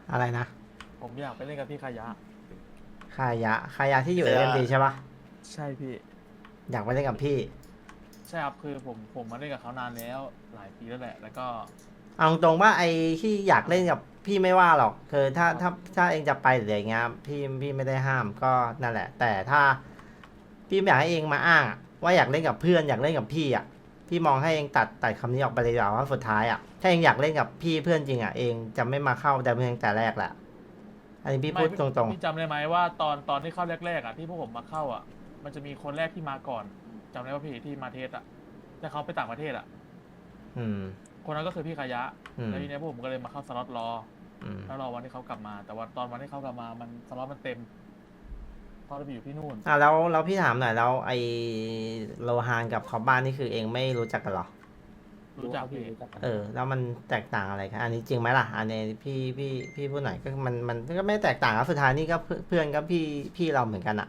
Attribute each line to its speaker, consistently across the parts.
Speaker 1: อะไรนะ
Speaker 2: ผมอยากไปเล่นกับพี่ขยะ
Speaker 1: คายะที่อยู่เอ็มดีใช่ปะ
Speaker 2: ใช่พี่
Speaker 1: อยากไปเล่นกับพี่
Speaker 2: ใช่ครับคือผมมาเล่นกับเขานานแล้วหลายปีแล้วแหละแล้วก็
Speaker 1: เอาตรงว่าไอ้ที่อยากเล่นกับพี่ไม่ว่าหรอกคือถ้า
Speaker 2: ครับ
Speaker 1: ถ้าเองจะไปหรืออะไรเงี้ยพี่ไม่ได้ห้ามก็นั่นแหละแต่ถ้าพี่ไม่อยากให้เองมาอ้างอะว่าอยากเล่นกับเพื่อนอยากเล่นกับพี่อ่ะพี่มองให้เองตัดคำนี้ออกไปเลยดีกว่าว่าสุดท้ายอ่ะถ้าเองอยากเล่นกับพี่เพื่อนจริงอ่ะเองจะไม่มาเข้าแต่เพียงแต่แรกแหละอันนี้พี่
Speaker 2: ไม่
Speaker 1: พูด
Speaker 2: พี่
Speaker 1: ตรง
Speaker 2: พี่จำได้ไหมว่าตอนที่เข้าแรกๆอ่ะที่พวกผมมาเข้าอ่ะมันจะมีคนแรกที่มาก่อนจำได้ว่าพี่ที่มาเทสอ่ะแต่เขาไปต่างประเทศอ่ะ
Speaker 1: ๆ
Speaker 2: คนนั้นก็คือพี่ขยะ
Speaker 1: อืม
Speaker 2: แล้วทีเนี้ยพวกผมก็เลยมาเข้าสล็อตรอ
Speaker 1: อืม
Speaker 2: แล้วรอวันที่เขากลับมาแต่ว่าตอนวันที่เขากลับมามันสล็อตมันเต็มตอนเราไปอยู่ที่นู่น
Speaker 1: แล้วพี่ถามหน่อยแล้วไอ้โลฮานกับคอบบ้านนี่คือเองไม่รู้จักกันเหรอ
Speaker 2: รู้จักพี่
Speaker 1: แล้วมันแตกต่างอะไรกันอันนี้จริงไหมล่ะอันนี้พี่พูดหน่อยก็มันก็ไม่แตกต่างครับสุดท้ายนี่ก็เพื่อนก็พี่เราเหมือนกันอะ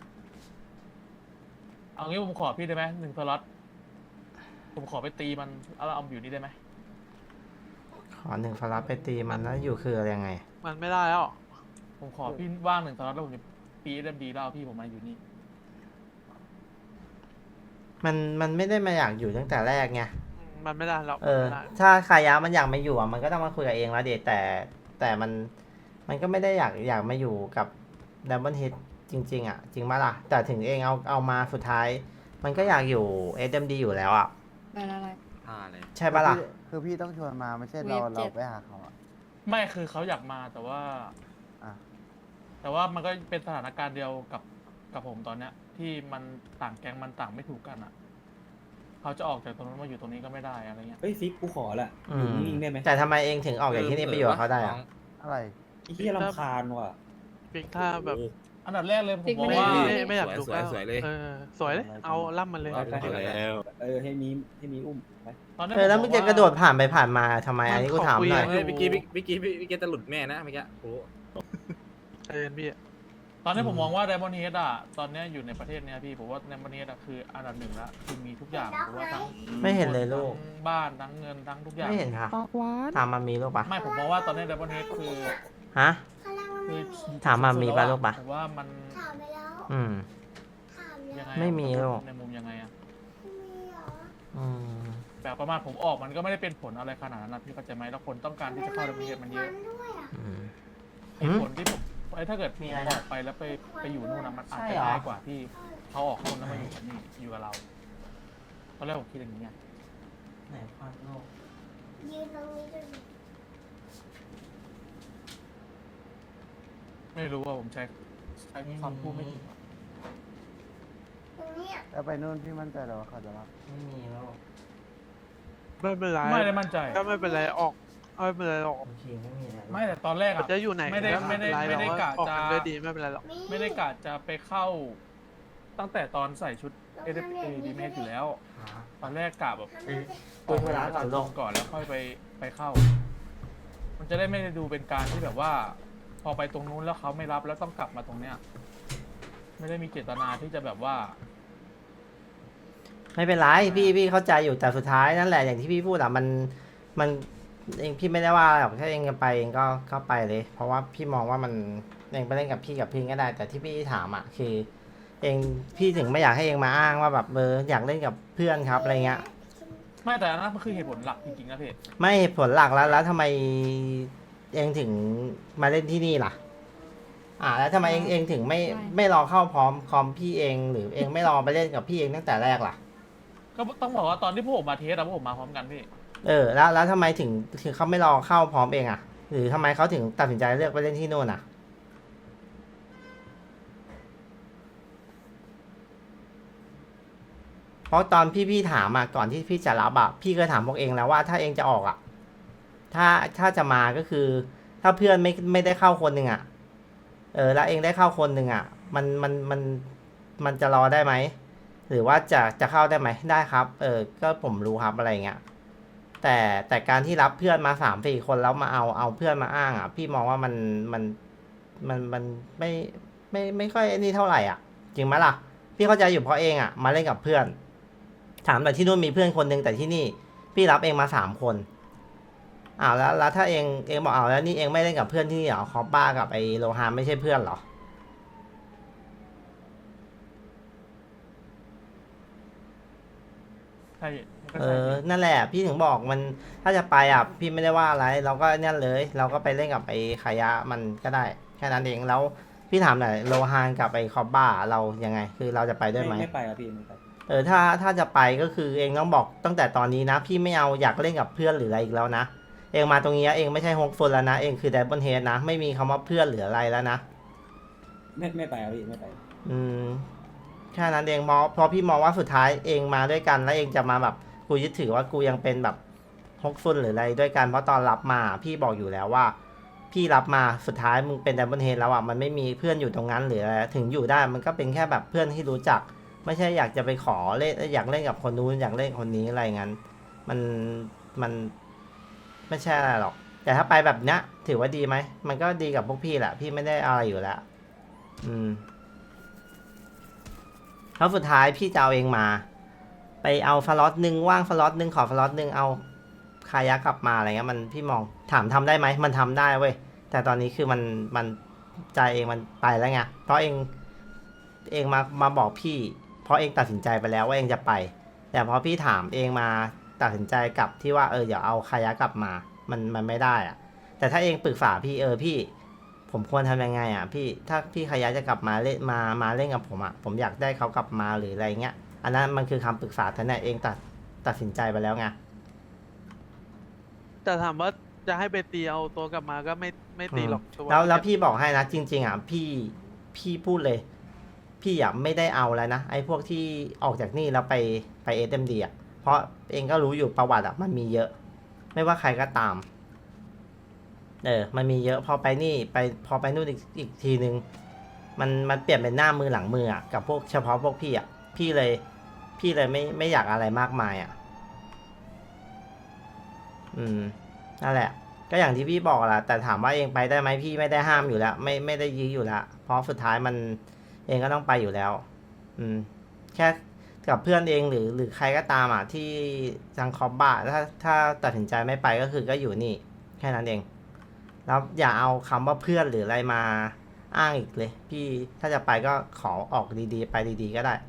Speaker 2: เอางี้ผมขอพี่ได้ไหมหนึ่งสล็อตผมขอไปตีมันแล้วเราเอาอยู่นี่ได้ไหม
Speaker 1: ขอหนึ่งฟลับไปตีมันแล้วอยู่คืออะไรยังไง
Speaker 3: มันไม่ได้แล้ว
Speaker 2: ผมขอพี่ว่างหนึ่งสล็อตแล้วผมจะปีเอ็มดีแล้วเอาพี่ผมมาอยู่นี่
Speaker 1: มันไม่ได้มาอยากอยู่ตั้งแต่แรกไง
Speaker 3: มันไม่ได้แล้ว
Speaker 1: อถ้าคายะมันอยากมาอยู่อะมันก็ต้องมาคุยกับเองแล้วเดทแต่มันก็ไม่ได้อยากมาอยู่กับดับเบิลเฮดจริงๆอ่ะจริงไหมล่ะแต่ถึงเองเอามาสุดท้ายมันก็อยากอยู่ SMD อยู่แล้วอ่ะ
Speaker 4: อะไร
Speaker 1: ใช่ปะล่ะ
Speaker 5: คือพี่ต้องชวนมาไม่ใช่
Speaker 4: เวฟเจ็ด
Speaker 5: เราไปหาเขาอะ
Speaker 2: ไม่คือเขาอยากมาแต่ว่า
Speaker 5: อ่ะ
Speaker 2: แต่ว่ามันก็เป็นสถานการณ์เดียวกับผมตอนเนี้ย ที่มันต่างแก๊งมันต่างไม่ถูกกันอ่ะเขาจะออกจากตรงนั้นมาอยู่ตรงนี้ก็ไม่ได้อะไรเงี้ย
Speaker 6: เฮ้ยฟิกกูขอแหละ
Speaker 1: อื
Speaker 6: อยู่
Speaker 1: ม
Speaker 6: นิ่งๆได้ไหม
Speaker 1: แต่ทำไมเองถึงออกจากที่นี่ไปอยู่กับเขาได้อะ
Speaker 5: อะไร
Speaker 6: ไอ้เหี้ยรำคาญว่ะ
Speaker 3: บิ๊กถ้าแบบ
Speaker 2: อันดับแรกเลยผม
Speaker 4: ติ๊ก
Speaker 2: มอง
Speaker 4: ไม่
Speaker 2: ว่า
Speaker 4: ได้
Speaker 3: ไม่อยากดู
Speaker 7: สวยเลย
Speaker 3: สวยเลย เอาล่ำมันเลย
Speaker 6: เอาไป
Speaker 7: แล้ว
Speaker 6: ให้มีอุ้มไป
Speaker 2: ตอนนี้
Speaker 1: แล้วมึงจะกระโดดผ่านไปผ่านมาทำไมอันนี้กูถามหน่อย
Speaker 3: มัน
Speaker 7: เฮ้ยเมื่อกี้จะหลุดแม่นะเมื่อกี้โอ้
Speaker 3: เอ็นพี่
Speaker 2: ตอนนี้ผมมองว่าไดมอนด์เฮดอ่ะตอนเนี้ยอยู่ในประเทศเนี้ยพี่ผมว่าไดมอนด์เฮดอ่ะคืออันดับหนึ่งละคือมีทุกอย่างผมว่าทั้ง
Speaker 1: ไม่เห็นเลยลูก
Speaker 2: ทั้งบ้านทั้งเงินทั้งทุกอย่าง
Speaker 1: ไม่เห็นค่ะ
Speaker 4: ปากหวาน
Speaker 1: ถามมามีลูกปะ
Speaker 2: ไม่ผมมองว่าตอนนี้ไดมอนด์เฮดคือ
Speaker 1: ฮะ
Speaker 2: คือ
Speaker 1: ถามมามีปะลูกปะ
Speaker 2: ผมว่ามัน
Speaker 8: ถามไปแล้ว
Speaker 1: อืม
Speaker 8: ถามแล้ว
Speaker 2: ยังไง
Speaker 1: ไม่มีหรอก
Speaker 2: ในมุมยังไงอะ
Speaker 8: มีเหรอ
Speaker 1: อืม
Speaker 2: แบบประมาณผมออกมันก็ไม่ได้เป็นผลอะไรขนาดนั้นนะพี่เข้าใจไหมแล้วคนต้องการที่จะเข้าระเบียบมันเยอะ
Speaker 8: ด้วยอ่ะ
Speaker 1: อืม
Speaker 2: ไอ้ผลที่ผมไอ้ถ้าเกิดมีออกไปแล้วไปอยู่นู่นนะมันอาจ
Speaker 1: ใช่
Speaker 2: จะ
Speaker 1: เหรอ
Speaker 2: ง่ายกว่าที่เขาออกนู่นแล้วมาอยู่กับนี่อยู่กับเราตอนแรกผมคิดอย่างนี้ไง
Speaker 1: ไหนภาพโลก
Speaker 8: ยืนตรงนี้ด้วย
Speaker 2: ไม่รู้ว่าผมใช้คำพูดไม่ถูกอะ
Speaker 8: ตรงเนี้ย
Speaker 5: แล้วไปนู่นพี่มั่นใจเหรอว่าเขาจะรับ
Speaker 1: ไม่มีแล้ว
Speaker 3: ไม่เป็นไร
Speaker 2: ไม่ได้มั่นใจ
Speaker 3: ก็ไม่เป็นไรออกไม่เป็นไรออก
Speaker 1: โอเคไม่มีแล้ว
Speaker 2: ไม่แต่ตอนแรก
Speaker 3: มัน
Speaker 2: อะ
Speaker 3: จะอยู่ไหน
Speaker 2: ไม่ได้
Speaker 3: ก็เป็นร
Speaker 2: ไม่ได้
Speaker 3: เรา
Speaker 2: กะ
Speaker 3: ออก
Speaker 2: จะ
Speaker 3: กันด้วยดีไม่เป็นไรหรอก
Speaker 2: ไม่ได้กะจะไปเข้า ตั้งแต่ตอนใส่ชุดเอดีเมสอยู่แล้ว ตอนแรกกะแบบ
Speaker 1: ตัวเวลาก่อนลง
Speaker 2: ก่อนแล้วค่อยไปเข้า มันจะได้ไม่ได้ดูเป็นการที่แบบว่า พอไปตรงนู้นแล้วเขาไม่รับแล้วต้องกลับมาตรงเนี้ย ไม่ได้มีเจตนาที่จะแบบว่า
Speaker 1: ไม่เป็นไรพี่เข้าใจอยู่แต่สุดท้ายนั่นแหละอย่างที่พี่พูดอะมันเองพี่ไม่ได้ว่าหรอกถ้าเองจะไปเองก็ไปเลย เพราะว่าพี่มองว่ามันเองไปเล่นกับพี่ก็ได้ แต่ที่พี่ถามอะคือ เองพี่ถึงไม่อยากให้เองมาอ้างว่าแบบอยากเล่นกับเพื่อนครับอะไรเงี้ย
Speaker 2: ไม่แต่อันนั้นมันคือเหตุผลหลักจริงๆนะพี่
Speaker 1: ไม่เหตุผลหลักแล้วทำไมเองถึงมาเล่นที่นี่ล่ะ แล้วทำไมเองถึงไม่รอเข้าพร้อมคอมพี่เองหรือเองไม่รอไปเล่นกับพี่เองตั้งแต่แรกล่ะ
Speaker 2: ก็ต้องบอกว่าตอนที่พวกผมมาเทสอะพวกผมมาพร้อมกันพี่
Speaker 1: แล้วทำไมถึงเขาไม่รอเข้าพร้อมเองอ่ะ หรือทำไมเขาถึงตัดสินใจเลือกไปเล่นที่นู่นอ่ะ เพราะตอนพี่ถามก่อนที่พี่จะรับพี่เคยถามพวกเองแล้วว่าถ้าเองจะออกถ้าจะมาก็คือ ถ้าเพื่อนไม่ได้เข้าคนหนึ่งแล้วเองได้เข้าคนหนึ่งมันจะรอได้ไหมหรือว่าจะเข้าได้ไหมได้ครับก็ผมรู้ครับอะไรเงี้ยแต่การที่รับเพื่อนมา3-4 คนแล้วมาเอาเพื่อนมาอ้างพี่มองว่ามันไม่ค่อยนี่เท่าไหร่จริงไหมล่ะพี่เข้าใจอยู่เพราะเองมาเล่นกับเพื่อนถามแต่ที่นู่นมีเพื่อนคนหนึ่งแต่ที่นี่พี่รับเองมา3 คนอ้าวแล้วถ้าเองบอกอ้าวแล้วนี่เองไม่เล่นกับเพื่อนที่นี่เหรอคอปบ้ากับไอโลฮานไม่ใช่เพื่อนเหรอ
Speaker 2: ใช่มันก็
Speaker 1: เอ
Speaker 2: ใช่
Speaker 1: อ
Speaker 2: ดิ
Speaker 1: นั่นแหละพี่ถึงบอกมันถ้าจะไปอ่ะพี่ไม่ได้ว่าอะไร เราก็เนี่ยเลย เราก็ไปเล่นกับไอ้ขายะมันก็ได้แค่นั้นเองแล้วพี่ถามหน่อยโลฮานกับไอ้คอบบ้าเรายังไง คือเราจะไปด้วยไหม
Speaker 6: ไม่ไปครับพี่ไม่ไป
Speaker 1: เออถ้าจะไปก็คือเองต้องบอกตั้งแต่ตอนนี้นะ พี่ไม่เอาอยากเล่นกับเพื่อนหรืออะไรอีกแล้วนะ เองมาตรงนี้เองไม่ใช่ฮกฟุนแล้วนะ เองคือไดบอนเฮดนะ ไม่มีคำว่าเพื่อนหรืออะไรแล้วนะ
Speaker 6: ไม่ไปครับพี่ไม่ไป
Speaker 1: อืมแค่นั้นเองเพราะพี่มองว่าสุดท้ายเองมาด้วยกันแล้วเองจะมาแบบกูยึดถือว่ากูยังเป็นแบบฮกฟุนหรืออะไรด้วยกันเพราะตอนรับมาพี่บอกอยู่แล้วว่า พี่รับมาสุดท้ายมึงเป็นไดบอนเฮดแล้วอ่ะมันไม่มีเพื่อนอยู่ตรงนั้นหรืออะไรถึงอยู่ได้มันก็เป็นแค่แบบเพื่อนที่รู้จัก ไม่ใช่อยากจะไปขอเล่นอยากเล่นกับคนนู้นอยากเล่นคนนี้อะไรงั้นมันไม่ใช่อะไรหรอก แต่ถ้าไปแบบเนี้ยถือว่าดีไหมมันก็ดีกับพวกพี่แหละพี่ไม่ได้อะไรอยู่แล้วแล้วสุดท้ายพี่จะเอาเองมา ไปเอาฟลอตหนึ่งว่างฟลอตหนึ่งขอฟลอตหนึ่งเอาคายะกลับมาอะไรเงี้ยมันพี่มองถามทำได้ไหมมันทำได้เว้ยแต่ตอนนี้คือมันใจเองมันไปแล้วไงเพราะเองมาบอกพี่ เพราะเองตัดสินใจไปแล้วว่าเองจะไป แต่พอพี่ถามเองมาตัดสินใจกลับที่ว่าเดี๋ยวเอาคายะกลับมามันไม่ได้อะแต่ถ้าเองปรึกษาพี่พี่ผมควรทำยังไงอ่ะพี่ถ้าพี่คายะจะกลับมาเล่นมาเล่นกับผมอ่ะผมอยากได้เขากลับมาหรืออะไรเงี้ยอันนั้นมันคือคำปรึกษาแต่เนี่ยเองตัดสินใจไปแล้วไง
Speaker 3: แต่ถามว่าจะให้ไปตีเอาตัวกลับมาก็ไม่ตีหรอกตัว
Speaker 1: แล้วพี่บอกให้นะจริงๆอ่ะพี่พูดเลย พี่อ่ะไม่ได้เอาแล้วนะไอ้พวกที่ออกจากนี่แล้วไปSMDอ่ะเพราะเองก็รู้อยู่ประวัติอ่ะมันมีเยอะ ไม่ว่าใครก็ตามมันมีเยอะพอไปนี่พอไปนู่นอีกทีนึงมันเปลี่ยนเป็นหน้ามือหลังมืออ่ะกับพวกเฉพาะพวกพี่อ่ะพี่เลยไม่อยากอะไรมากมายอ่ะนั่นแหละ ก็อย่างที่พี่บอกแหละแต่ถามว่าเองไปได้ไหมพี่ไม่ได้ห้ามอยู่แล้วไม่ได้ยื้ออยู่แล้วเพราะสุดท้ายมันเองก็ต้องไปอยู่แล้วแค่กับเพื่อนเองหรือใครก็ตามอ่ะที่จังคอบบ้าถ้าตัดสินใจไม่ไปก็คือก็อยู่นี่แค่นั้นเองแล้วอย่าเอาคำว่าเพื่อนหรืออะไรมาอ้างอีกเลยพี่ถ้าจะไปก็ขอออกดีๆไปดีๆก็ได้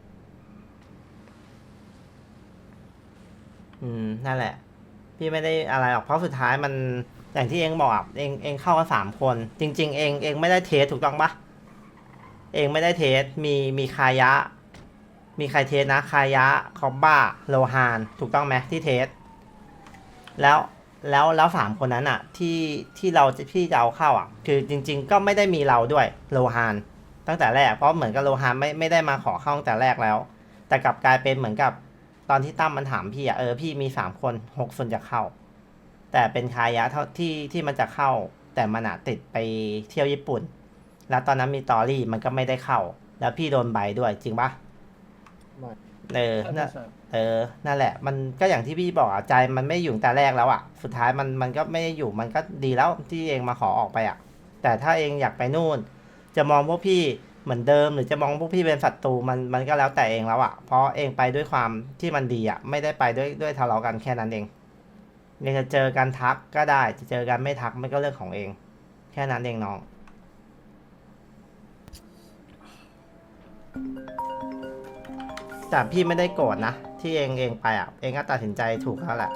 Speaker 1: นั่นแหละพี่ไม่ได้อะไรหรอกเพราะสุดท้ายมันอย่างที่เองบอกอ่ะเองเข้ากัน3 คนจริงๆเองไม่ได้เทสถูกต้องปะเองไม่ได้เทสมีคายะมีใครเทสนะคายะคอบบ้าโลฮานถูกต้องไหมที่เทสแล้ว3 คนนั้นอ่ะที่พี่จะเอาเข้าอ่ะคือจริงๆก็ไม่ได้มีเราด้วยโลฮานตั้งแต่แรกเพราะเหมือนกับโลฮานไม่ได้มาขอเข้าตั้งแต่แรกแล้วแต่กลับกลายเป็นเหมือนกับตอนที่ตั้มมันถามพี่อ่ะพี่มี3 คน6 คนจะเข้าแต่เป็นคายะเท่าที่มันจะเข้าแต่มันอ่ะติดไปเที่ยวญี่ปุ่นแล้วตอนนั้นมีตอรี่มันก็ไม่ได้เข้าแล้วพี่โดนใบด้วยจริงปะนั่นแหละมันก็อย่างที่พี่บอกอ่ะใจมันไม่อยู่แต่แรกแล้วอ่ะสุดท้ายมันก็ไม่ได้อยู่มันก็ดีแล้วที่เองมาขอออกไปอ่ะแต่ถ้าเองอยากไปนู่นจะมองพวกพี่เหมือนเดิมหรือจะมองพวกพี่เป็นศัตรูมันก็แล้วแต่เองแล้วอ่ะเพราะเองไปด้วยความที่มันดีอ่ะไม่ได้ไปด้วยทะเลาะกันแค่นั้นเองเนี่ยจะเจอกันทักก็ได้จะเจอกันไม่ทักมันก็เรื่องของเองแค่นั้นเองน้องแต่พี่ไม่ได้โกรธนะที่เองไปอ่ะเองก็ตัดสินใจถูกแล้วแหละ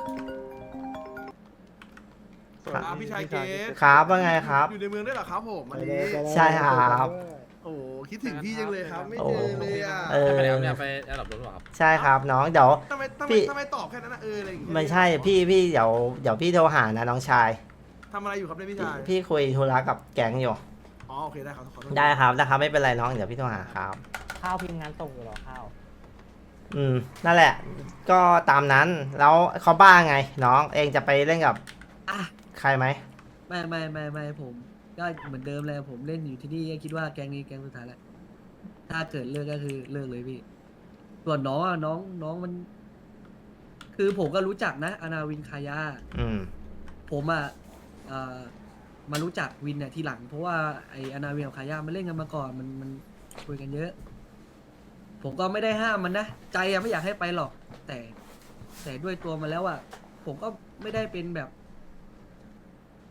Speaker 4: พี่ชายเกส
Speaker 1: ครับว่าไงครับ
Speaker 4: อยู่ในเมืองด้วยเหรอครับผมวันนี้
Speaker 1: ใช่ครับ
Speaker 4: โอ้คิดถึงพี่จังเลยครับไม่
Speaker 1: โอ้
Speaker 4: เจอเลยอ่ะ
Speaker 7: ไปแล้วเนี่ยไปแอร์ดรอปรถหรอครับ
Speaker 1: ใช่ครับน้องเดี๋ยว
Speaker 4: ทำไม
Speaker 1: พี่
Speaker 4: ตอบแค่นั้นนะอะไรอย่างเงี้ย
Speaker 1: ไม่ใช่พี่เดี๋ยวพี่โทรหานะน้องชาย
Speaker 4: ทำอะไรอยู่ครับเนี่ยพี่ชาย
Speaker 1: พี่คุยธุระกับแก๊งอยู่
Speaker 4: อ๋อโอเคได้ครับขอโทษ
Speaker 1: ได้ครับนะครับไม่เป็นไรน้องเดี๋ยวพี่โทรหาครับ
Speaker 9: ข้าวพิมพ์งานส่งอยู่หรอข้าว
Speaker 1: นั่นแหละ ก็ตามนั้นแล้วเขาบ้าไงน้องเองจะไปเล่นกับ
Speaker 10: อ่ะ
Speaker 1: ใครไหม
Speaker 10: ไม่ผมก็เหมือนเดิมเลยผมเล่นอยู่ที่นี่ก็คิดว่าแก๊งนี้แก๊งสุดท้ายแล้วถ้าเกิดเลิกก็คือเลิกเลยพี่ส่วนน้องอ่ะน้องมัน คือผมก็รู้จักนะอนาวินคายา ผมอ่ะมารู้จักวินเนี่ยทีหลัง เพราะว่าไออนาวินกับคายามันเล่นกันมาก่อนมันคุยกันเยอะ ผมก็ไม่ได้ห้ามมันนะใจอะไม่อยากให้ไปหรอกแต่ด้วยตัวมันแล้วอ่ะผมก็ไม่ได้เป็นแบบ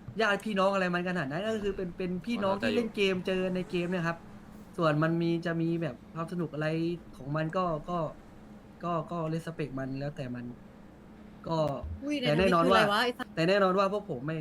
Speaker 10: ญาติพี่น้องอะไรมันขนาดนั้นก็คือเป็นพี่น้องที่เล่นเกมเจอในเกมเนี่ยครับ ส่วนมันจะมีแบบความสนุกอะไรของมันก็เลสเปกมันแล้วแต่มันก็แต่แน่นอนว่าพวกผม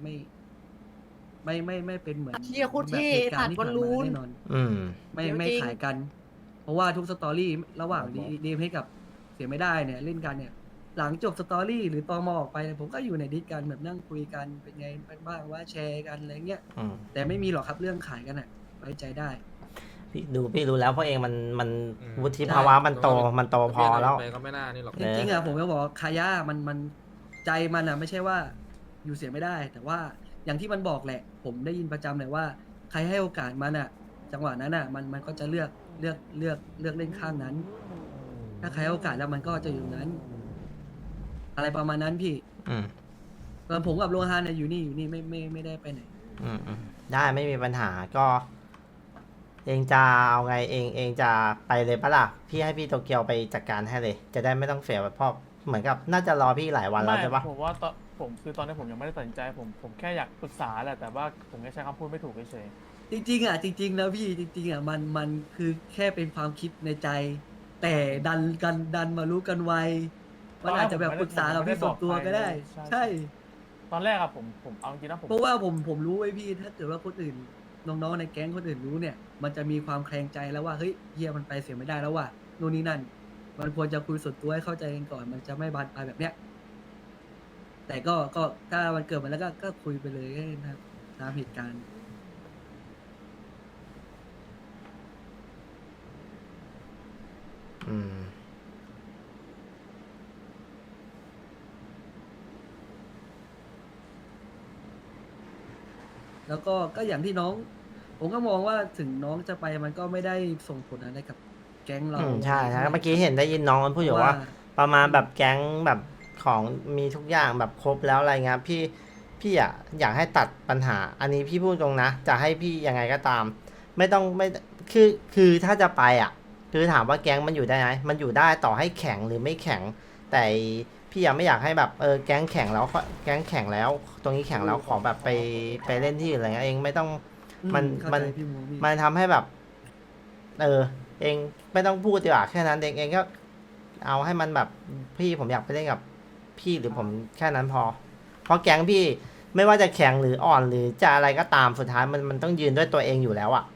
Speaker 10: ไม่เป็นเหมือน
Speaker 9: เชี่ยโคตรเท่
Speaker 10: แบบเหตุการณ์ที่ผ่าน
Speaker 9: ตัดบอลลู
Speaker 10: มาน แน่นอน
Speaker 1: อืม
Speaker 10: ไม่ขายกัน เพราะว่าทุกสตอรี่ระหว่างดีมให้กับเสียไม่ได้เนี่ยเล่นกันเนี่ย หลังจบสตอรี่หรือตอมอออกไปเนี่ยผมก็อยู่ในดิสกันแบบนั่งคุยกันเป็นไงบ้างว่าแชร์กันอะไรเงี้ย
Speaker 1: อืม
Speaker 10: แต่ไม่มีหรอกครับเรื่องขายกันอ่ะไว้ใจได้
Speaker 1: พี่รู้แล้วเพราะเองมัน
Speaker 7: อืม
Speaker 1: วุฒิภาวะมันโตพอแล้ว
Speaker 7: ไปก็ไม่น่านี่หรอก
Speaker 10: จริงๆอ่ะผมก็บอกว่าคายามันใจมันอ่ะไม่ใช่ว่าอยู่เสียไม่ได้ แต่ว่าอย่างที่มันบอกแหละ ผมได้ยินประจำเลยว่า ใครให้โอกาสมันอ่ะ จังหวะนั้นอ่ะมันก็จะเลือกเล่นข้างนั้น ถ้าใครให้โอกาสแล้วมันก็จะอยู่นั้น อะไรประมาณนั้นพี่
Speaker 1: อืม
Speaker 10: ส่วนผมกับโลฮานเนี่ยอยู่นี่ไม่ได้ไปไหน
Speaker 1: อืมได้ไม่มีปัญหาก็ เองจะเอาไงเองจะไปเลยปะล่ะพี่ให้พี่โตเกียวไปจัดการให้เลย จะได้ไม่ต้องเสียเพราะเหมือนกับน่าจะรอพี่หลายวันแล้วใช่ปะ
Speaker 2: ผมว่าตอนนี้ผมยังไม่ได้ตัดสินใจผมแค่อยากปรึกษาแหละแต่ว่าผมแค่ใช้คำพูดไม่ถูกเฉย
Speaker 10: จริงๆอ่ะจริงๆนะพี่จริงๆอ่ะมันคือแค่เป็นความคิดในใจ แต่ดันมารู้กันไวมันอาจจะแบบปรึกษากับพี่ส่วนตัวก็ได้ ใช่
Speaker 2: ๆตอนแรกอะผมเอาจริงนะผม
Speaker 10: เพราะว่าผมรู้ไว้พี่ถ้าเกิดว่าคนอื่นน้องๆในแก๊งคนอื่นรู้เนี่ย มันจะมีความแคลงใจแล้วว่าเฮ้ยเฮียมันไปเสียไม่ได้แล้วว่ะนู่นนี่นั่น มันควรจะคุยส่วนตัวให้เข้าใจกันก่อน มันจะไม่บานปลายแบบเนี้ย แต่ก็ถ้ามันเกิดมาแล้วก็คุยไปเลยนะครับตามเหตุการณ์
Speaker 1: อืม
Speaker 10: แล้วก็อย่างที่น้อง ผมก็มองว่าถึงน้องจะไปมันก็ไม่ได้ส่งผลอะไรกับแก๊งเรา
Speaker 1: ใช่เมื่อกี้เห็นได้ยินน้องมันพูดอยู่ว่า ประมาณแบบแก๊งแบบของมีทุกอย่างแบบครบแล้วอะไรเงี้ยพี่อ่ะอยากให้ตัดปัญหา อันนี้พี่พูดตรงนะจะให้พี่ยังไงก็ตาม ไม่คือถ้าจะไปอ่ะ คือถามว่าแก๊งมันอยู่ได้ไหมมันอยู่ได้ต่อให้แข็งหรือไม่แข็ง แต่พี่ยังไม่อยากให้แบบแก๊งแข็งแล้วแก๊งแข็งแล้ว ตรงนี้แข็งแล้วขอแบบไปเล่นที่อื่นอะไรเงี้ยเองไม่ต้อง
Speaker 10: เข้าใจพี่มูมี่
Speaker 1: มันทำให้แบบ เองไม่ต้องพูดดีกว่าแค่นั้นเองก็ เอาให้มันแบบพี่ผมอยากไปเล่นกับพี่หรือผมแค่นั้นพอ เพราะแก๊งพี่ไม่ว่าจะแข็งหรืออ่อนหรือจะอะไรก็ตามสุดท้ายมันต้องยืนด้วยตัวเองอยู่แล้วอ่ะ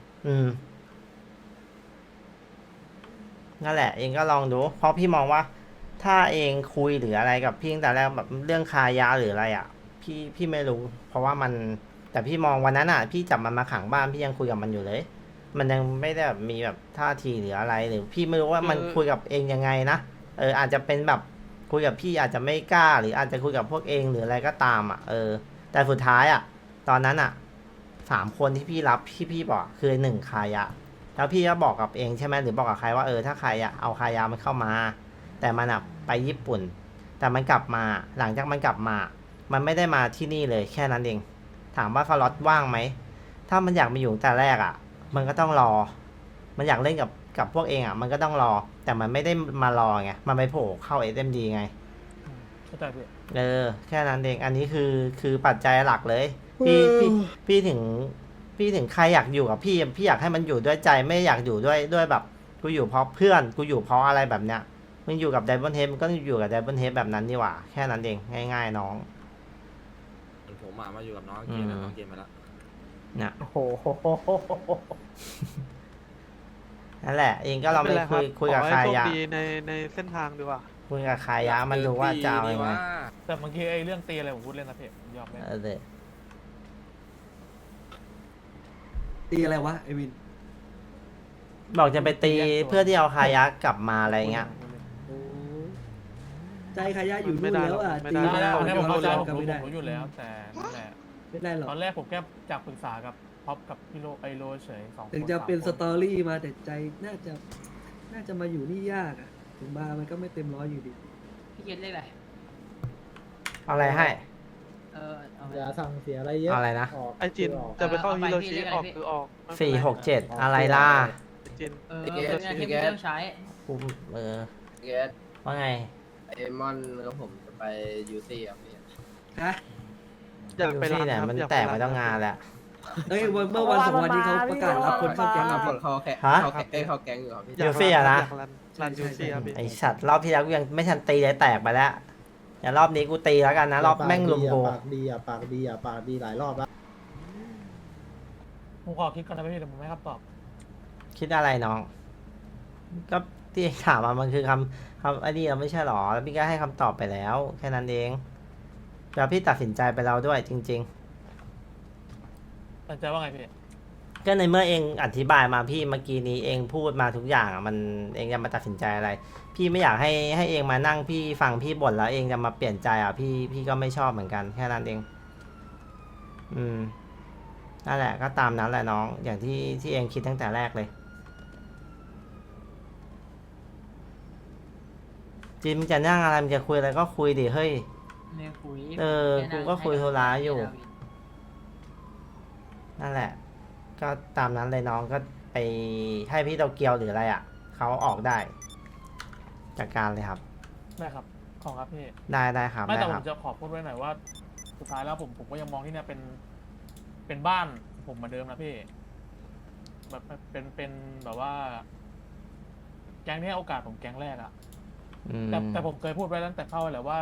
Speaker 1: นั่นแหละ เองก็ลองดู เพราะพี่มองว่า ถ้าเองคุยหรืออะไรกับพี่ตั้งแต่แรกแบบเรื่องคายาหรืออะไรอ่ะ พี่ไม่รู้ เพราะว่ามัน แต่พี่มองวันนั้นอ่ะ พี่จับมันมาขังบ้านพี่ยังคุยกับมันอยู่เลย มันยังไม่ได้แบบมีแบบท่าทีหรืออะไรหรือพี่ไม่รู้ว่ามันคุยกับเองยังไงนะอาจจะเป็นแบบคุยกับพี่อาจจะไม่กล้า หรืออาจจะคุยกับพวกเองหรืออะไรก็ตามอ่ะแต่สุดท้ายอ่ะ ตอนนั้นอ่ะ3 คนที่พี่รับพี่บอกคือ1คายะแล้วพี่ก็บอกกับเองใช่ไหมหรือบอกกับใครว่าถ้าใครอ่ะเอาคายามันเข้ามา แต่มันอ่ะไปญี่ปุ่น แต่มันกลับมาหลังจากมันกลับมา มันไม่ได้มาที่นี่เลยแค่นั้นเองถามว่าสล็อตว่างไหมถ้ามันอยากมาอยู่แต่แรกอ่ะมันก็ต้องรอ มันอยากเล่นกับพวกเองอ่ะ มันก็ต้องรอ แต่มันไม่ได้มารอไง มันไปโผล่เข้า SMD ไง
Speaker 2: เข้าใจพี่
Speaker 1: แค่นั้นเอง อันนี้คือปัจจัยหลักเลย พี่ถึงใครอยากอยู่กับพี่อยากให้มันอยู่ด้วยใจไม่อยากอยู่ด้วยแบบ กูอยู่เพราะเพื่อน กูอยู่เพราะอะไรแบบเนี้ย มึงอยู่กับไดมอนเฮดมันก็อยู่กับไดมอนเฮดแบบนั้นดีกว่า แค่นั้นเอง ง่ายๆน้อง
Speaker 7: ผมมาอยู่กับน้องเกมแล้วน้องเกมไปแล้ว
Speaker 1: เนี่ย
Speaker 9: โอ้โห
Speaker 1: นั่นแหละ เองก็ลองไปคุยกับ
Speaker 3: ขอ
Speaker 1: ใคร
Speaker 3: ให้โชค
Speaker 1: อะ
Speaker 3: ดีในเส้นทางดีกว่า
Speaker 1: คุยกับใครอะมันดูว่าจะเอายังไง
Speaker 2: แต่บางทีไอ้เรื่องตีอะไรผมพูดเล่นนะพี่ผมยอมเล่น
Speaker 1: เดี๋ยว
Speaker 10: ตีอะไรวะไอวิน
Speaker 1: บอกจะไปตีเพื่อที่เอาคายักกลับมาอะไรเงี้ย
Speaker 10: โอ้ใจขายะอยู่
Speaker 3: ไม่
Speaker 10: นู่น
Speaker 3: ได้
Speaker 10: แล้วอ่ะ
Speaker 3: ไม่
Speaker 10: ตี
Speaker 3: ได้
Speaker 10: ไม่ได้
Speaker 2: อันนี้ผมเข้าใจผม
Speaker 10: ก็ไม่ได้
Speaker 2: รู้อยู่แล้วแต่นั่นแหละ
Speaker 10: ไม่ได้หรอก
Speaker 2: ตอนแรกผมแค่จากปรึกษากับพ็อปกับพี่โลไอโลเฉย2 คน
Speaker 10: ถึงจะเป็น
Speaker 2: 3
Speaker 10: สตอรี่มาแต่ใจน่าจะมาอยู่นี่ยากอ่ะ ถึงมามันก็ไม่เต็มร้อยอยู่ดี
Speaker 9: พี่เกดเลขอะไร
Speaker 1: เอาอะไรให้
Speaker 9: อย่าสั่งเสียอะไรเยอะ
Speaker 1: เอาอะไรนะ
Speaker 3: ไอจินจะไปเข้า
Speaker 9: เอาไป
Speaker 3: ฮิโร
Speaker 9: พี่
Speaker 3: ชิ
Speaker 9: เรียกอะไร
Speaker 3: ออก
Speaker 9: พี่
Speaker 3: คือออกไม่
Speaker 1: สี่
Speaker 3: เป็นไร
Speaker 1: หกเจ็ดอะไรล่ะ
Speaker 3: ไอ้จิน
Speaker 9: เนี่ยที่พี่เรื่องใช้
Speaker 1: กู
Speaker 11: เกส
Speaker 1: ว่าไง
Speaker 11: ไอมอนกับผมจะไปยูซี่ครับพี่
Speaker 10: ฮะ
Speaker 3: อยาก
Speaker 1: ยู
Speaker 3: ไปรั
Speaker 1: ซี่
Speaker 3: น
Speaker 1: เนี่ย
Speaker 3: ครับ
Speaker 1: มัน
Speaker 3: อยาก
Speaker 1: แต
Speaker 3: ไป
Speaker 1: ก
Speaker 3: รั
Speaker 1: มาน ตั้ง
Speaker 3: ครั
Speaker 1: งาน
Speaker 3: บ
Speaker 1: แล้ว
Speaker 10: เอ้ยเมื่อวันสองวันที่เขาประกาศรับคนเข้าแก๊ง
Speaker 7: ครั
Speaker 10: อะ
Speaker 7: บ
Speaker 10: พี่
Speaker 7: เขาแค่
Speaker 1: ฮะ
Speaker 7: เขาแก๊งอยู่ครับพี่
Speaker 1: ยูซี่อะนะ
Speaker 3: อยากรันยูซี่ครับพี่
Speaker 1: ไอสัตว์รอบที่แล้วกูยังไม่ทันตีเลยแตกไปแล้วเดี๋ยวรอบนี้กูตีแล้วกันนะรอบแม่งลุมกู
Speaker 5: ปากดีอ่ะปากดีอ่ะปากดีหลายรอบแล้ว
Speaker 2: ผมขอคิดก่อนนะพี่เดี๋ยวผมให้คำตอบ
Speaker 1: คิดอะไรน้อง ก็ที่ถามมามันคือคำไอ้นี่เราไม่ใช่หรอแล้วพี่ก็ให้คำตอบไปแล้ว แค่นั้นเองแล้วพี่ตัดสินใจไปแล้วด้วยจริง
Speaker 2: ตัดใจว่าไงพี่
Speaker 1: ๆ ก็ในเมื่อเองอธิบายมาพี่เมื่อกี้นี้เองพูดมาทุกอย่างอะมันเองจะมาตัดสินใจอะไร พี่ไม่อยากให้เองมานั่งพี่ฟังพี่บ่นแล้วเองจะมาเปลี่ยนใจอ่ะพี่ก็ไม่ชอบเหมือนกันแค่นั้นเอง นั่นแหละก็ตามนั้นแหละน้องอย่างที่เองคิดตั้งแต่แรกเลยจิมจะนั่งอะไรมันจะคุยอะไรก็คุยดิเฮ้ย
Speaker 9: เนี่ยคุย
Speaker 1: เออกูก็คุยโทรศัพท์อยู่ นั่นแหละ ก็ตามนั้นเลยน้องก็ไปให้พี่โตเกียวหรืออะไรอ่ะเขาออกได้จากการเลยครับ
Speaker 2: ได้ครับขอบครับพี่
Speaker 1: ได้ครับ
Speaker 2: ไม่
Speaker 1: ได้
Speaker 2: แต่
Speaker 1: ค
Speaker 2: ผ
Speaker 1: รับ
Speaker 2: มจะขอพูดไว้หน่อยว่า สุดท้ายแล้วผมก็ยังมองที่เนี่ยเป็นบ้านผมเหมือนเดิมนะพี่แบบเป็นแบบว่า แก๊งที่ให้โอกาสผมแก๊งแรกอะ
Speaker 1: อืม
Speaker 2: แต่ผมเคยพูดไว้ตั้งแต่เข้าแหละว่า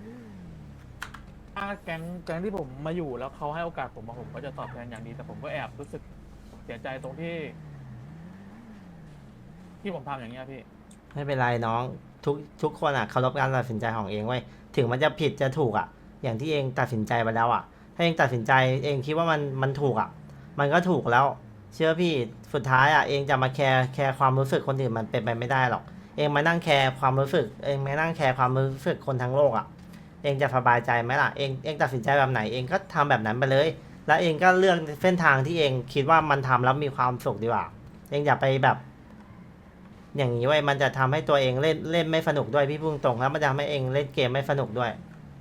Speaker 2: ถ้าแก๊งที่ผมมาอยู่แล้วเขาให้โอกาสผมผมก็จะตอบแทนอย่างดีแต่ผมก็แอบรู้สึกเสียใจตรงที่ผมทำอย่างเงี้ยพี่
Speaker 1: ไม่เป็นไรน้องทุกคนอ่ะเคารพการตัดสินใจของเองไว้ยถึงมันจะผิดจะถูกอ่ะ อย่างที่เองตัดสินใจไปแล้วอ่ะ ถ้าเองตัดสินใจเองคิดว่ามันถูกอ่ะ มันก็ถูกแล้ว เชื่อพี่สุดท้ายอ่ะเองจะมาแคร์ความรู้สึกคนอื่นมันเป็นไปไม่ได้หรอก เองมานั่งแคร์ความรู้สึกเองมานั่งแคร์ความรู้สึกคนทั้งโลกอ่ะ เองจะสบายใจไหมล่ะเองตัดสินใจแบบไหนเองก็ทำแบบนั้นไปเลย แล้วเองก็เลือกเส้นทางที่เองคิดว่ามันทำแล้วมีความสุขดีกว่า เองอย่าไปแบบ อย่างนี้ไว้ยมันจะทำให้ตัวเองเล่นไม่สนุกด้วยพี่พุ่งตรงแล้วมันจะทำให้เองเล่นเกมไม่สนุกด้วย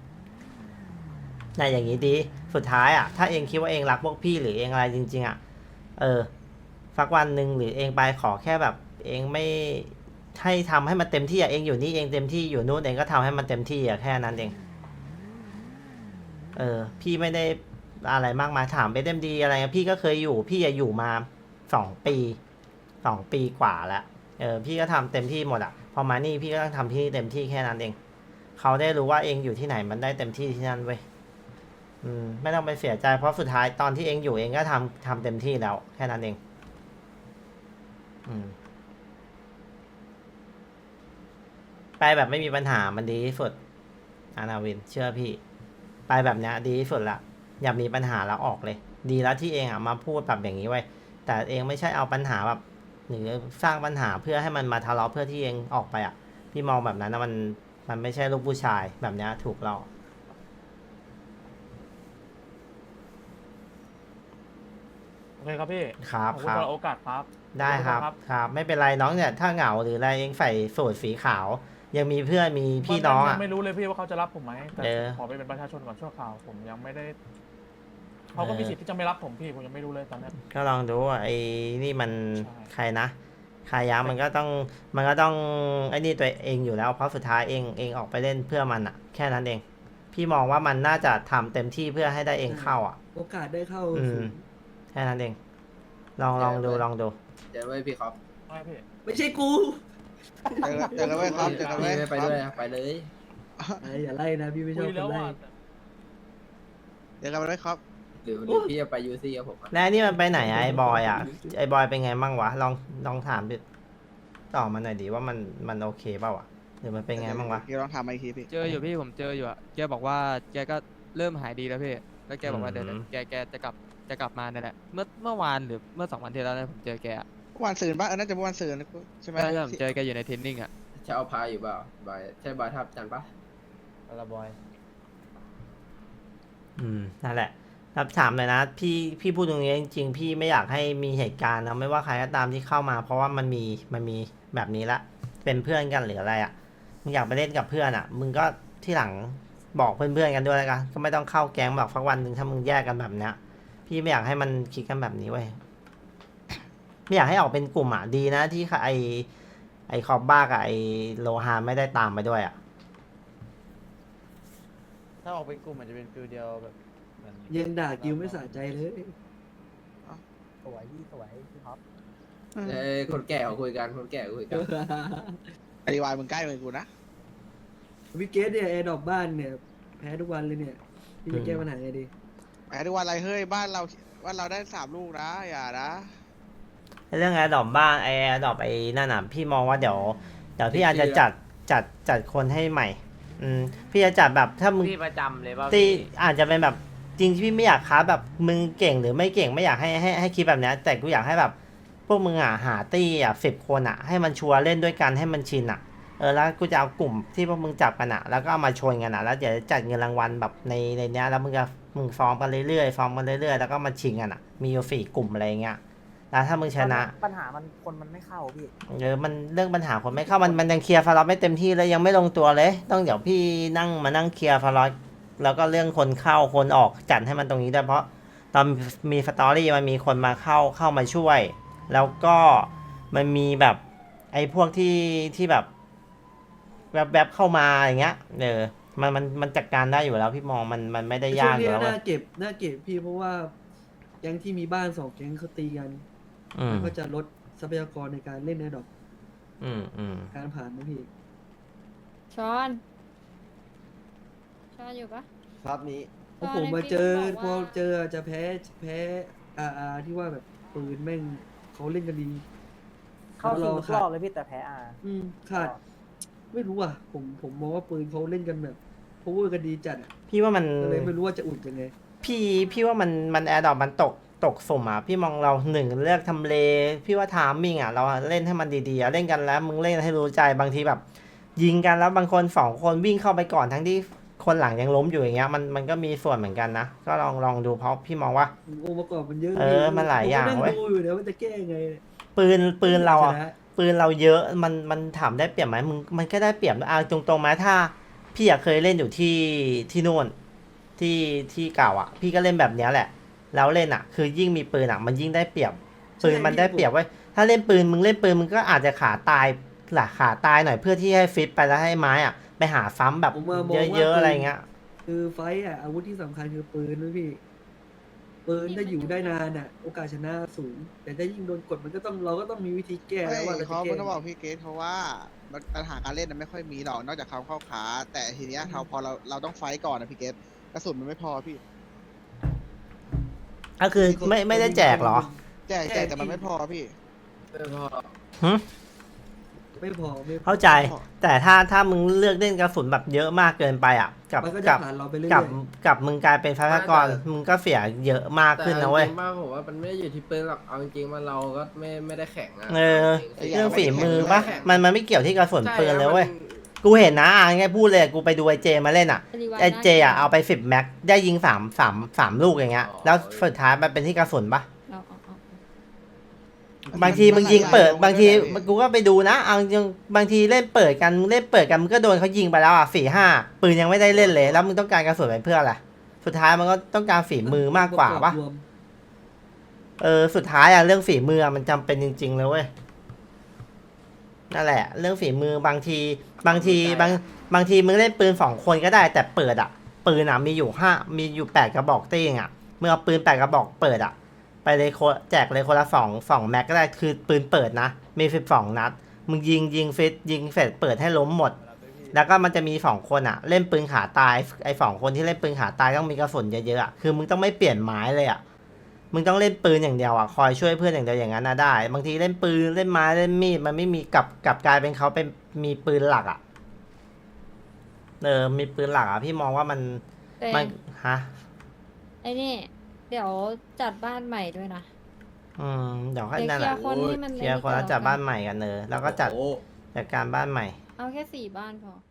Speaker 1: น่ะอย่างนี้ดีสุดท้ายอ่ะถ้าเองคิดว่าเองรักพวกพี่หรือเองอะไรจริงๆอ่ะสักวันหนึ่งหรือเองไปขอแค่แบบ เองไม่ให้ทำให้มันเต็มที่อ่ะเองอยู่นี่เองเต็มที่อยู่นู่นเองก็ทำให้มันเต็มที่อ่ะแค่นั้นเองพี่ไม่ได้อะไรมากมายถามไปเต็มดีอะไรพี่ก็เคยอยู่พี่อยู่มา2 ปีกว่าแล้วพี่ก็ทำเต็มที่หมดอ่ะพอมานี่พี่ก็ต้องทำที่เต็มที่แค่นั้นเองเขาได้รู้ว่าเองอยู่ที่ไหนมันได้เต็มที่ที่นั่นเว้ยไม่ต้องไปเสียใจเพราะสุดท้ายตอนที่เองอยู่เองก็ทำเต็มที่แล้วแค่นั้นเองไปแบบไม่มีปัญหามันดีที่สุดอานาวินเชื่อพี่ไปแบบเนี้ยดีที่สุดละอย่ามีปัญหาแล้วออกเลย ดีแล้วที่เองอ่ะมาพูดแบบอย่างนี้ไว้แต่เองไม่ใช่เอาปัญหาแบบหรือสร้างปัญหาเพื่อให้มันมาทะเลาะเพื่อที่เองออกไปอ่ะพี่มองแบบนั้นนะมันไม่ใช่ลูกผู้ชายแบบเนี้ยถูกเรา
Speaker 2: โอเคครับพี่
Speaker 1: ครับ
Speaker 2: ขอบ
Speaker 1: ค
Speaker 2: คุณ
Speaker 1: รับ
Speaker 2: สำหรับโอกาสครับ
Speaker 1: ได้ครับ
Speaker 2: ขอณ
Speaker 1: ครับไม่เป็นไรน้องเนี่ยถ้าเหงาหรืออะไรเองใส่สูทสีขาว ยังมีเพื่อนมีพี่น้อง
Speaker 2: ยั
Speaker 1: อ่ะ
Speaker 2: ไม่รู้เลยพี่ว่าเขาจะรับผมไหมแต่
Speaker 1: เออ
Speaker 2: ขอไปเป็นประชาชนก่อนชั่วคราวผมยังไม่ได้เขาก็มีสิทธิ์ที่จะไม่รับผมพี่ผมยังไม่รู้เลยตอนนี้
Speaker 1: ก็ลองดูว่าไอ้นี่มัน
Speaker 2: ใช่
Speaker 1: ใครนะใครยามันก็ต้องไอ้นี่ตัวเองอยู่แล้วเพราะสุดท้ายเองออกไปเล่นเพื่อมันอ่ะ แค่นั้นเอง พี่มองว่ามันน่าจะทำเต็มที่เพื่อให้ได้เองเข้าอ่ะ
Speaker 10: โอกาสได้เข้า
Speaker 1: อืม
Speaker 10: สูง
Speaker 1: แค่นั้นเองลองดู
Speaker 7: เดี๋ยวไว้พี่ครับ
Speaker 2: ไม่พี่
Speaker 10: ไม่ใช่กู
Speaker 5: เจอกันไว้ครับเจอกันไว้
Speaker 7: พี่ไม่ไปด้วยนะไปเลย
Speaker 10: อย่าไล่นะพี่ไม่ช
Speaker 2: คุ
Speaker 10: อบ
Speaker 2: ย
Speaker 10: ค
Speaker 2: แล้ว
Speaker 10: นไล่
Speaker 2: อ่ะ
Speaker 5: เจอกันไว้ครับ
Speaker 7: หรือพี่จะไปยูซี่กับผมอะ
Speaker 1: แล้วนี่มันไปไหนอะไอ้บอยอ่ะไอ้บอยเป็นไงมั่งวะลองถามดิต่อมาหน่อยดิว่ามันโอเคเปล่าวะหรือมันเป็นไงมั่งวะ
Speaker 5: พี่ลองถามมาอีกทีพี่
Speaker 11: เจออยู่พี่ผมเจออยู่อะแกบอกว่าแกก็เริ่มหายดีแล้วพี่ แล้วแกบอกว่าเดี๋ยวแกจะกลับมาเนี่ยแหละ เมื่อวานหรือเมื่อ2 วันที่แล้วนะผมเจอแกอะ
Speaker 5: วันซืนป่ะน่าจะวันซืนใช่ไหม
Speaker 11: ใช่ผมเจอแกอยู่ในเทรนนิ่งอะ
Speaker 7: จะเอาพาอยู่เปล่าบายใช่บายทับจันปะ
Speaker 1: ละบอยนั่นแหละครับถามเลยนะพี่พูดตรงนี้จริงๆพี่ไม่อยากให้มีเหตุการณ์นะไม่ว่าใครก็ตามที่เข้ามา เพราะว่ามันมีแบบนี้ละเป็นเพื่อนกันหรืออะไรอ่ะมึงอยากไปเล่นกับเพื่อนอ่ะ มึงก็ที่หลังบอกเพื่อนๆกันด้วยแล้วกันก็ไม่ต้องเข้าแก๊งแบบสักวันหนึ่งถ้ามึงแยกกันแบบเนี้ยพี่ไม่อยากให้มันคิดกันแบบนี้เว้ยไม่อยากให้ออกเป็นกลุ่มอ่ะดีนะที่ไอคอบบ้ากับไอโลฮาไม่ได้ตามไปด้วยอ่ะ
Speaker 5: ถ้าออกเป็นกลุ่มมันจะเป็นฟิลเดียวแบบ
Speaker 10: ยังด่ากิวไม่สะใจเลย
Speaker 9: สวยพี่สวยพี่ท็อป
Speaker 7: คนแก่เขาคุยกันคนแก่คุยกัน
Speaker 5: อธิบายมึงใกล้มือกูนะ
Speaker 10: วิกเกตเนี่ยแอร์ดรอปบ้านเนี่ยแพ้ทุกวันเลยเนี่ยพี่จะแก้ปัญหาไงดี
Speaker 5: แหมทุกวันอะไรเฮ้ยบ้านเราได้3 ลูกนะอย่านะ
Speaker 1: เรื่องแอร์ดรอปบ้านแอร์ดรอปไอ้นั่นน่ะพี่มองว่าเดี๋ยวพี่อาจจะจัดคนให้ใหม่พี่จะจัดแบบถ้ามึง
Speaker 9: พี่ประจำเลยป่ะ
Speaker 1: ตีอาจจะเป็นแบบจริงที่พี่ไม่อยากค้าแบบมึงเก่งหรือไม่เก่งไม่อยากให้คิดแบบนี้แต่กูอยากให้แบบพวกมึงหาตี้10 คนให้มันชัวร์เล่นด้วยกันให้มันชินแล้วกูจะเอากลุ่มที่พวกมึงจับกันแล้วก็เอามาชนกันแล้วเดี๋ยวจัดเงินรางวัลแบบในเนี้ยแล้วมึงฟอร์มกันเรื่อยๆฟอร์มกันเรื่อยๆแล้วก็มาชิงกันมีอยู่4 กลุ่มอะไรเงี้ยแล้วถ้ามึงชนะ
Speaker 9: ปัญหามันคนมันไม่เข้าพี่
Speaker 1: มันเรื่องปัญหาคนไม่เข้ามันยังเคลียร์ฟาร์ลอตไม่เต็มที่เลยยังไม่ลงตัวเลยต้องเดี๋ยวพี่มานั่งเคลียร์ฟาร์ลอตแล้วก็เรื่องคนเข้าคนออกจัดให้มันตรงนี้ด้วยเพราะตอนมีสตอรี่มันมีคนมาเข้ามาช่วย แล้วก็มันมีแบบไอ้พวกที่แบบแบบเข้ามาอย่างเงี้ยมันจัดการได้อยู่แล้วพี่มองมันไม่ได้ยากอยู่แล้ว
Speaker 10: น่าเก็บพี่เพราะว่าแก๊งที่มีบ้าน2 แก๊งเขาตีกันก็จะลดทรัพยากรในการเล่นแอร์ดรอปการผ่านนะพี่
Speaker 8: ช้อนอยู่ปะ
Speaker 4: ครับนี้
Speaker 10: พอผมมาเจอพอเจอจะแพ้ที่ว่าแบบปืนแม่งเขาเล่นกันดี
Speaker 9: เข้าถึงรอบเลยพี่แต่แพ้
Speaker 10: ขาดไม่รู้อ่ะผมมองว่าปืนเขาเล่นกันแบบโพเวอร์กันดีจัด
Speaker 1: พี่ว่ามัน
Speaker 10: เลยไม่รู้ว่าจะอุ่นยังไง
Speaker 1: พี่ว่ามันแอร์ดรอปมันตกสุ่มพี่มองเรา1เลือกทำเลพี่ว่าทามมิ่งเราเล่นให้มันดีๆเล่นกันแล้วมึงเล่นให้รู้ใจบางทีแบบยิงกันแล้วบางคน2 คนวิ่งเข้าไปก่อนทั้งที่คนหลังยังล้มอยู่อย่างเงี้ยมันก็มีส่วนเหมือนกันนะก็ลองดูเพราะพี่มองว่า
Speaker 10: องค์ประกอบมันเยอะ
Speaker 1: มันหลายอย่างเว้ย
Speaker 10: ดูอยู่เดี๋ยวมันจะแก้ยังไง
Speaker 1: ปืนเราปืนเราเยอะมันถามได้เปรียบไหมมันก็ได้เปรียบตรงๆไหมถ้าพี่เคยเล่นอยู่ที่นู่นที่เก่าพี่ก็เล่นแบบเนี้ยแหละแล้วเล่นคือยิ่งมีปืนมันยิ่งได้เปรียบปืนมันได้เปรียบไว้ถ้าเล่นปืนมึงก็อาจจะขาตายหน่อยเพื่อที่ให้ฟิตไปแล้วให้ไม้ไปหาฟัมแบบเยอะๆอะไรเงี้ย
Speaker 10: คือไฟอาวุธที่สำคัญคือปืนนะพี่ปืนถ้าอยู่ได้นานโอกาสชนะสูงแต่ถ้ายิ่งโดนกดเราก็ต้องมีวิธีแก้แล้วว่าเราจะ
Speaker 5: เขา
Speaker 10: แก้
Speaker 5: ต้องบอกพี่เกตเพราะว่าปัญหาการเล่นไม่ค่อยมีหรอกนอกจากเขาเข้าขาแต่ทีเนี้ยพอเราต้องไฟก่อนนะพี่เกตกระสุนมันไม่พอพี่
Speaker 1: ก็คือไม่ได้แจกเหรอ
Speaker 5: แจกแต่มันไม่พอพี่
Speaker 10: ไม่พอ
Speaker 1: เข้าใจแต่ถ้ามึงเลือกเล่นกระสุนแบบเยอะมากเกินไปกับมึงกลายเป็นพากรมึงก็เสียเยอะมากขึ้นนะเว้ย
Speaker 7: จริงป่ะผมว่ามันไม่ได้อยู่ที่ปืนหรอกเอาจริงๆว่าเราก็ไม่ได้แข่ง
Speaker 1: เรื่องฝีมือป่ะมันไม่เกี่ยวที่กระสุนปืนเลยเว้ยกูเห็นนะไงพูดเลยกูไปดูไอเจมาเล่นไอเจเอาไป10 แม็กได้ยิง3 ลูกอย่างเงี้ยแล้วสุดท้ายมันเป็นที่กระสุนป่ะบางทีมึงยิงเปิดบางทีกูก็ไปดูนะบางทีเล่นเปิดกันมึงก็โดนเขายิงไปแล้ว4-5 ปืนยังไม่ได้เล่นเลยแล้วมึงต้องการกระสุนไปเพื่ออะไรสุดท้ายมันก็ต้องการฝีมือมากกว่าปะสุดท้ายเรื่องฝีมือมันจำเป็นจริงๆเลยเว้ยนั่นแหละเรื่องฝีมือบางทีมึงเล่นปืน2 คนก็ได้แต่เปิดปืนมีอยู่8 กระบอกตี้เมื่อเอาปืน8 กระบอกเปิดไปเลยแจกเลยคนละ2 แม็กก็ได้คือปืนเปิดนะมี12 นัดมึงยิงเฟสเปิดให้ล้มหมดแล้วก็มันจะมี2 คนเล่นปืนขาตายไอ้2 คนที่เล่นปืนขาตายต้องมีกระสุนเยอะๆคือมึงต้องไม่เปลี่ยนไม้เลยมึงต้องเล่นปืนอย่างเดียวคอยช่วยเพื่อนอย่างเดียวอย่างนั้นได้บางทีเล่นปืนเล่นไม้เล่นมีดมันไม่มีกับกลายเป็นเขาเป็นมีปืนหลักมีปืนหลักพี่มองว่ามันฮะ
Speaker 8: ไอ้นี่เดี๋ยวจัดบ้านใหม่ด้วยนะ
Speaker 1: เดี๋ยวให้นั่นแหละเคลียร์คนแล้วจัดบ้านใหม่กันแล้วก็จัดการบ้านใหม่
Speaker 8: เอาแค่4 บ้านพอ